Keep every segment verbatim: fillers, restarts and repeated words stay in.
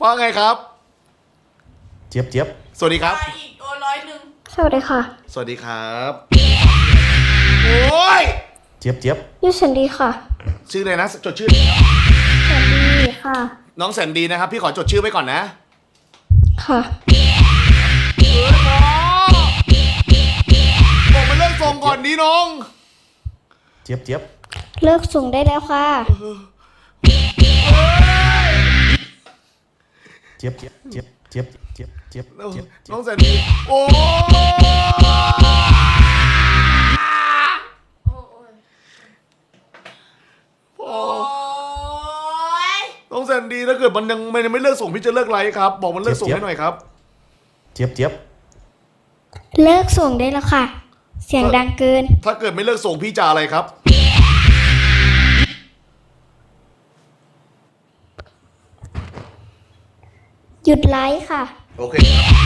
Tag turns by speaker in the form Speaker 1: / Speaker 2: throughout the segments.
Speaker 1: ว่าไงครับ
Speaker 2: เจี๊ยบเจี๊ยบ
Speaker 1: สวัสดีครับ
Speaker 3: อีกตัวร้อยหนึ่ง
Speaker 4: สวัสดีค่ะ
Speaker 1: สวัสดีครับโอ้ย
Speaker 2: เจี๊ยบเจี๊ยบ
Speaker 4: ยูสันดีค่ะ
Speaker 1: ชื่ออะไรนะจดชื่อเลยครับ
Speaker 4: แสนดีค่ะ
Speaker 1: น้องแสนดีนะครับพี่ขอจดชื่อไว้ก่อนนะ
Speaker 4: ค่ะ
Speaker 1: บอกมาเลิกส่งก่อนนี้น้อง
Speaker 2: เจี๊ยบเจี๊ยบ
Speaker 4: เลิกส่งได้แล้วค่ะ
Speaker 2: เจี๊ยบเจี๊ยบเจี๊ยบเจี๊ยบเจี๊ยบเจี๊ยบ
Speaker 1: น้องแสนดีโอ้น้องแสนดีถ้าเกิดมันยังไม่ไม่เลิกส่งพี่จะเลิกไลฟ์ครับบอกมันเลิกส่งให้หน่อยครับ
Speaker 2: เจี๊ยบเจี๊ยบ
Speaker 4: เลิกส่งได้แล้วค่ะเสียงดังเกิน
Speaker 1: ถ้าเกิดไม่เลิกส่งพี่จะอะไรครับ
Speaker 4: หยุดไลฟ์ค่ะ
Speaker 1: โอเค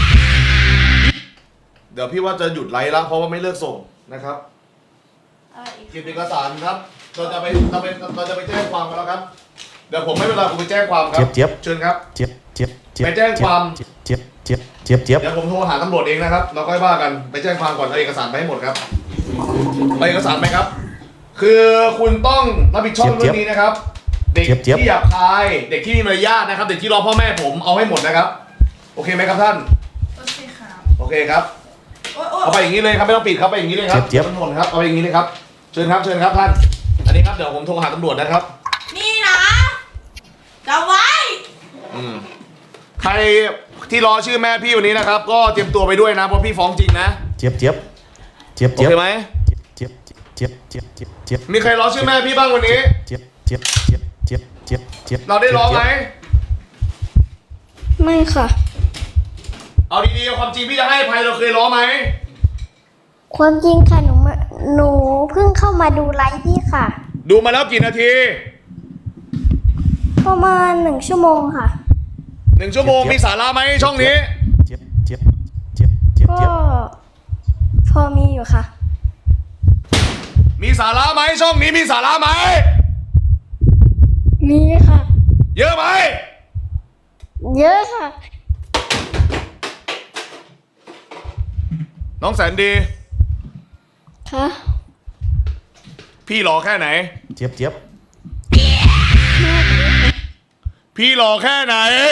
Speaker 1: เดี๋ยวพี่ว่าจะหยุดไลฟ์แล้วเพราะว่าไม่เลิกส่งนะครับเก็บเอกสารครับเราจะไปเราไปเราจะไปแจ้งความกันแล้วครับเดี๋ยวผมไม่เวลาผมไปแจ้งความครับ
Speaker 2: เจี๊ยบ
Speaker 1: เชิญครับ
Speaker 2: เจี๊ยบเจี๊ยบ
Speaker 1: ไปแจ้งความ
Speaker 2: เจี๊ยบเจี๊ยบเจี๊ยบเจี๊ยบ
Speaker 1: เดี๋ยวผมโทรหาตำรวจเองนะครับเราค่อยว่ากันไปแจ้งความก่อนเอาเอกสารไปให้หมดครับเอาเอกสารไปครับคือคุณต้องรับผิดชอบเรื่องนี้นะครับเด็กที่หยาบคายเด็กที่มีมารยาทนะครับเด็กที่รอพ่อแม่ผมเอาให้หมดนะครับโอเคไหมครับท่าน
Speaker 3: โอเคครับ
Speaker 1: โอเคครับเอาไปอย่างนี้เลยครับไม่ต้องปิดครับไปอย่างนี้เลยครับทั้งหมดครับเอาไปอย่างนี้เลยครับเชิญครับเชิญครับท่านอันนี้ครับเดี๋ยวผมโทรหาตำรวจนะครับ
Speaker 3: นี่นะจำไว้
Speaker 1: อืมใครที่รอชื่อแม่พี่วันนี้นะครับก็เตรียมตัวไปด้วยนะเพราะพี่ฟ้องจริงนะ
Speaker 2: เจี๊ยบเจี๊ยบเจี๊ยบ
Speaker 1: โอเคไหม
Speaker 2: เจี๊ยบเจี๊ยบเจี๊ยบเจี๊ยบเจี๊ยบ
Speaker 1: มีใครรอชื่อแม่พี่บ้างวันนี้
Speaker 2: เจี๊ยบเจี๊ยบเจี๊ยบเจี๊ยบเจี๊ยบเจี๊ยบ
Speaker 1: เราได้รอไหม
Speaker 4: ไม่ค่ะ
Speaker 1: เอาดีๆความจริงพี่จะให้อภัยเราเคยรอไหม
Speaker 4: ความจริงค่ะหนูหนูเพิ่งเข้ามาดูไลฟ์พี่ค่ะ
Speaker 1: ดูมาแล้วกี่นาที
Speaker 4: ประมาณหนึ่งชั่วโมงค่ะ
Speaker 1: หนึ่งชั่วโมงมีสาระไหมช่องนี้
Speaker 2: เจี๊ยบเจี๊ยบเจี๊ยบเจี๊ยบ
Speaker 4: ก็พอมีอยู่ค่ะ
Speaker 1: มีสาระไหมช่องนี้มีสาระไหม
Speaker 4: มีค่ะ
Speaker 1: เยอะไหม
Speaker 4: เยอะค่ะ
Speaker 1: น้องแสนดี
Speaker 4: ค่ะ
Speaker 1: พี่รอแค่ไหน
Speaker 2: เจี๊ยบเจี๊ยบ
Speaker 1: พี่รอแค่ไหน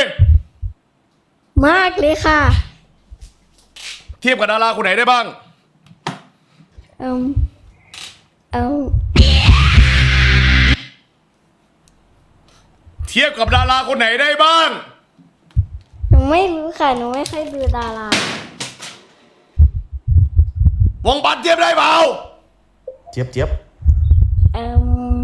Speaker 4: มากเลยค่ะ
Speaker 1: เทียบกับดาราคนไหนได้บ้าง
Speaker 4: เอ่อเอ่อ
Speaker 1: เทียบกับดาราคนไหนได้บ้าง
Speaker 4: หนูไม่รู้ค่ะหนูไม่เคยดูดาราว
Speaker 1: งบัตรเทียบได้เปล่า
Speaker 2: เจี๊ยบเจี๊ยบ
Speaker 4: เอ่อ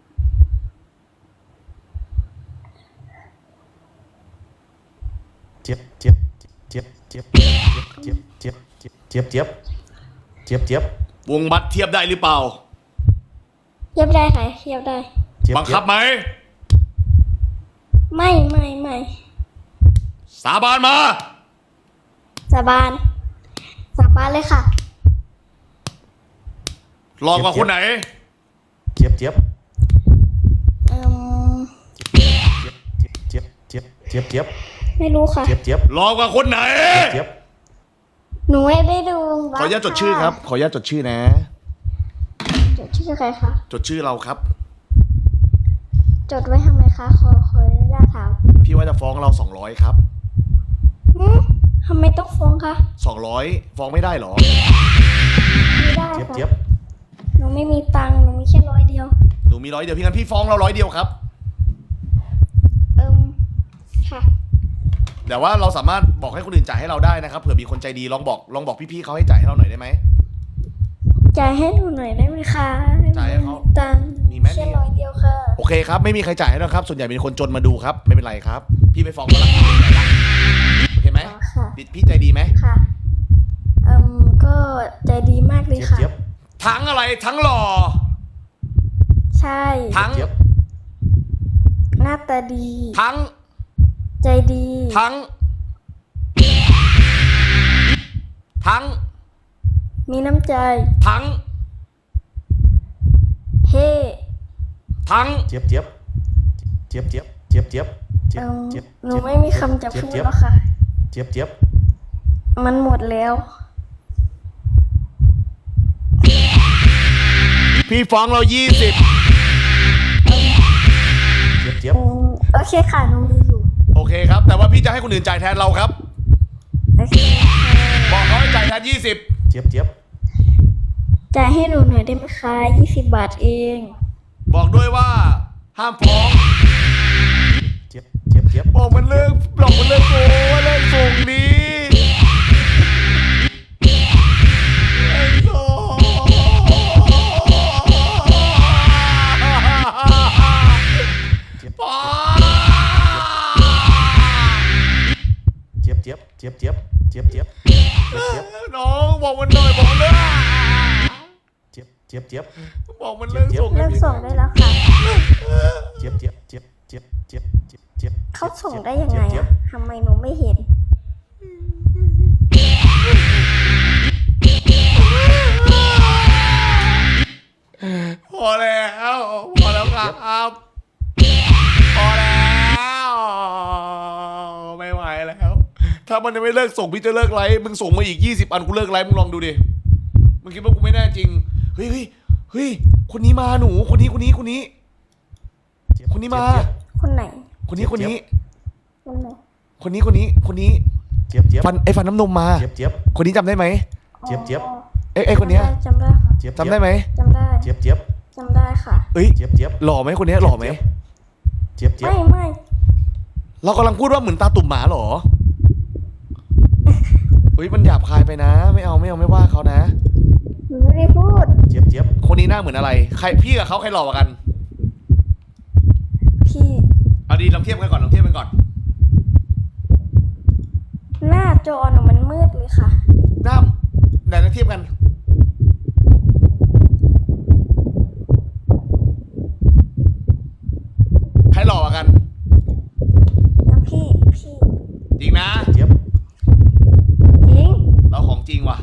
Speaker 2: เจี๊ยบเจี๊ยบเจี๊ยบเจี๊ยบเจี๊ยบเจี๊ยบเจี๊ยบเจี๊ยบเจี๊ยบเจี๊ยบ
Speaker 1: วงบัตรเทียบได้หรือเปล่า
Speaker 4: เทียบได้ค่ะเทียบได้
Speaker 1: บังคับไหม
Speaker 4: ไม่ไม่ไม่
Speaker 1: สาบานมา
Speaker 4: สาบานสาบานเลยค่ะ
Speaker 1: รอกว่าคนไหน
Speaker 2: เจี๊ยบเจี๊ยบ
Speaker 4: เอ่อ
Speaker 2: เจี๊ยบเจี๊ยบเจี๊ยบเจี๊ยบ
Speaker 4: ไม่รู้ค่ะ
Speaker 2: เจี๊ยบเจี๊ยบ
Speaker 1: รอกว่าคนไหน
Speaker 2: เจี๊ยบ
Speaker 4: หนูไม่ได้ดู
Speaker 1: ขออนุญาตจดชื่อครับขออนุญาตจดชื่อนะ
Speaker 4: จดชื่อใครคะ
Speaker 1: จดชื่อเราครับ
Speaker 4: จดไว้ทำไมคะขอขออนุญาตถาม
Speaker 1: พี่ว่าจะฟ้องเราสองร้อยครับ
Speaker 4: ทำไมต้องฟ้องคะ
Speaker 1: สองร้อยฟ้องไม่ได้หรอ
Speaker 4: ไม่ได้
Speaker 2: ค่ะเจี๊ยบ
Speaker 4: หนูไม่มีตังค์หนูมีแค่ร้อยเดียว
Speaker 1: หนูมีร้อยเดียวพี่งั้นพี่ฟ้องเราร้อยเดียวครับ
Speaker 4: เอิ่มค่ะ
Speaker 1: แต่ว่าเราสามารถบอกให้คนอื่นจ่ายให้เราได้นะครับเผื่อมีคนใจดีลองบอกลองบอกพี่ๆเขาให้จ่ายให้เราหน่อยได้ไหม
Speaker 4: จ่ายให้หนูหน่อยได้ไหมคะ
Speaker 1: จ่ายให้เขา
Speaker 4: ตังค์
Speaker 1: มีไหม
Speaker 4: แค่ร้อยเดียวค่ะ
Speaker 1: โอเคครับไม่มีใครจ่ายให้เราครับส่วนใหญ่เป็นคนจนมาดูครับไม่เป็นไรครับพี่ไปฟ้องเขาละโอเคไหมพี่ใจดีไหม
Speaker 4: ค่ะเอิ่มก็ใจดีมากเลยค่ะ
Speaker 1: ทั้งอะไรทั้งหล่อ
Speaker 4: ใช่
Speaker 1: ทั้ง
Speaker 4: หน้าตาดี
Speaker 1: ทั้ง
Speaker 4: ใจดี
Speaker 1: ทั้งทั้ง
Speaker 4: มีน้ำใจ
Speaker 1: ทั้ง
Speaker 4: เฮ้
Speaker 1: ทั้ง
Speaker 2: เจี๊ยบเจี๊ยบเจี๊ยบเจี๊ยบเจี๊ยบเจี๊ยบเจี๊ย
Speaker 4: เอิ่
Speaker 2: บ
Speaker 4: ม
Speaker 2: เจี๊ยบ
Speaker 4: หนูไม่มีคำจะพูด
Speaker 2: เจี๊ยบ
Speaker 4: แล้วค่ะ
Speaker 2: เจี๊ยบเจี๊ยบ
Speaker 4: มันหมดแล้ว
Speaker 1: พี่ฟ้องเรายี่สิบ
Speaker 2: เจี๊ยบเจี๊ยบ
Speaker 4: อืมโอเคค่ะหนูมีอยู่
Speaker 1: โอเคครับ แต่ว่าพี่จะให้คนอื่นจ่ายแทนเราครับ
Speaker 4: โอเคค่ะ
Speaker 1: บอกเขาให้จ่ายแทนยี่สิบ
Speaker 2: เจี๊ยบเจี๊ยบ
Speaker 4: จ่ายให้หนูหน่อยได้ไหมคะยี่สิบบาทเอง
Speaker 1: บอกด้วยว่าห้ามฟ้อง
Speaker 2: เจี๊ยบเจี๊ยบเจี๊ยบ
Speaker 1: บอกมันเลิกบอกมันเลิกโกว่าเลิกส่งดีไอ้โซ่ป้า
Speaker 2: เจี๊ยบเจี๊ยบเจี๊ยบเจี๊ยบเจี๊ยบเจี๊ยบเจี๊ยบ
Speaker 1: น้องบอกมันหน่อยบอกมันเลิก
Speaker 2: เจี๊ยบเจี๊ยบเจี๊ยบ
Speaker 1: บอกมันเลิกส่ง
Speaker 4: เลิกส่งได้แล้วค่ะ
Speaker 2: เจี๊ยบเจี๊ยบเจี๊ยบเจี๊ยบเจี๊ยบเจี๊ยบเจี๊ยบ
Speaker 4: เขาส่งได้ยังไง
Speaker 2: เจี๊
Speaker 4: อะ
Speaker 2: บ
Speaker 4: ทำไมหนูไม่เห็น
Speaker 1: พอแล้วพอแล้วครับพอแล้วไม่ไหวแล้ว ถ้ามันยังไม่เลิกส่งพี่จะเลิกไลฟ์มึงส่งมาอีกยี่สิบอันกูเลิกไลฟ์มึงลองดูดิมึงคิดว่ากูไม่แน่จริงเฮ้ยเฮ้ยเฮ้ยคนนี้มาหนูคนนี้คนนี้คนนี้
Speaker 2: เจี๊ยบ
Speaker 1: คนนี้มา
Speaker 4: คนไหน
Speaker 1: คนนี้คนนี้
Speaker 4: คนไหน
Speaker 1: คนนี้คนนี้คนนี้
Speaker 2: เจี๊ยบเจี๊ยบ
Speaker 1: ฟันไอ้ฟันน้ำนมมา
Speaker 2: เจี๊ยบเจี๊ยบ
Speaker 1: คนนี้จำได้ไหม
Speaker 2: เจี๊ยบเจี๊ยบ
Speaker 1: เอ้ยไอ้คนเนี้ย
Speaker 4: จำได้ค่ะ
Speaker 2: เจี๊ยบ
Speaker 1: จำได้ไหม
Speaker 4: จำได้
Speaker 2: เจี๊ยบเจี๊ยบ
Speaker 4: จำได้ค่ะ
Speaker 1: เอ้ย
Speaker 2: เจี๊ยบเจี๊ยบ
Speaker 1: หล่อไหมคนเนี้ยหล่อไหม
Speaker 2: เจี๊ยบเจี๊ยบ
Speaker 4: ไม่ไม่
Speaker 1: เรากำลังพูดว่าเหมือนตาตุ่มหมาเหรอเฮ้ยมันหยาบคายไปนะ ไม่เอาไม่เอาไม่ว่าเขานะ
Speaker 4: หนูไม่ได้พูด
Speaker 2: เจี๊ยบเจี๊ยบ
Speaker 1: คนนี้หน้าเหมือนอะไร ใครพี่กับเขาใครหล่อกว่ากัน
Speaker 4: พี่
Speaker 1: เอาดีลองเทียบกันก่อนลองเทียบกันก่อน
Speaker 4: หน้าจอหนูมันมืดเลยค่ะ
Speaker 1: หน้าไหนลองเทียบกัน ใครหล่อกว่ากัน
Speaker 4: แล้วพี่พี่
Speaker 1: จริงนะ
Speaker 2: เจี๊ยบ
Speaker 4: จริง
Speaker 1: เราของจริงว่ะ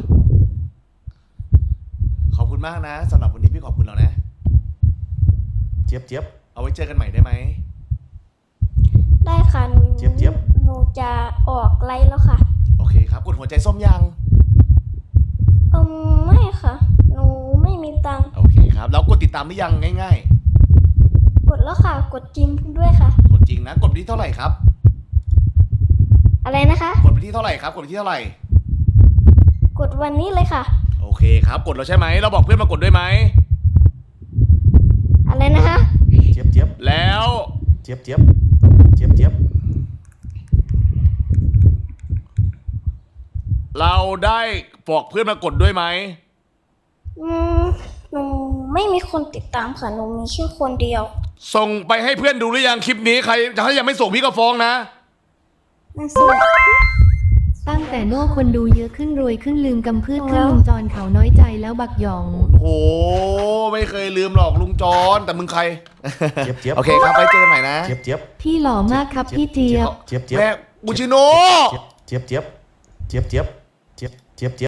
Speaker 1: ขอบคุณมากนะสำหรับวันนี้พี่ขอบคุณเรานะ
Speaker 2: เจี๊ยบเจี๊ยบ
Speaker 1: เอาไว้เจอกันใหม่ได้ไหม
Speaker 4: ได้ค่ะหนู
Speaker 2: เจี๊ยบเจี๊ยบ
Speaker 4: หนูจะออกไลฟ์แล้วค่ะ
Speaker 1: โอเคครับกดหัวใจส้มยัง
Speaker 4: อืมไม่ค่ะ หนูไม่มีตังค์
Speaker 1: โอเคครับแล้วกดติดตามหรือยังง่าย
Speaker 4: กดแล้วค่ะ กดจริงด้วยค่ะ
Speaker 1: ๆ กดจริงนะ กดไปที่เท่าไหร่ครับ
Speaker 4: อะไรนะคะ
Speaker 1: กดไปที่เท่าไหร่ครับ กดไปที่เท่าไหร่
Speaker 4: กดวันนี้เลยค่ะ
Speaker 1: โอเคครับ กดแล้วใช่ไหม เราบอกเพื่อนมากดด้วยไหม
Speaker 4: อะไรนะคะ
Speaker 2: เจี๊ยบเจี๊ยบ
Speaker 1: แล้ว
Speaker 2: เจี๊ยบเจี๊ยบเจี๊ยบเจี๊ยบ
Speaker 1: เราได้บอกเพื่อนมากดด้วยไหม
Speaker 4: อืมหนูไม่มีคนติดตามค่ะ หนูมีแค่คนเดียว
Speaker 1: ส่งไปให้เพื่อนดูหรือยังคลิปนี้ใครถ้ายังไม่ส่งพี่ก็ฟ้องนะ
Speaker 4: นั่นสิ
Speaker 5: ตั้งแต่โน่คนดูเยอะขึ้นรวยขึ้นลืมกำพืชขึ้นลุงจรเขาน้อยใจแล้วบักหยอง
Speaker 1: โอ้โหไม่เคยลืมหรอกลุงจอนแต่มึงใคร
Speaker 2: เจี๊ยบเจี๊ยบ
Speaker 1: โอเคครับไปเจอกันใหม่นะ
Speaker 2: เจี๊ยบเจี๊ยบ
Speaker 5: พี่หล่อมากครับพี่เจี๊ยบ
Speaker 2: เจี๊ยบเจี๊ยบ
Speaker 1: แม่บูชิโน
Speaker 2: เจี๊ยบเจี๊ยบเจี๊ยบเจี๊ยบเจี๊ยบเจี๊ยบ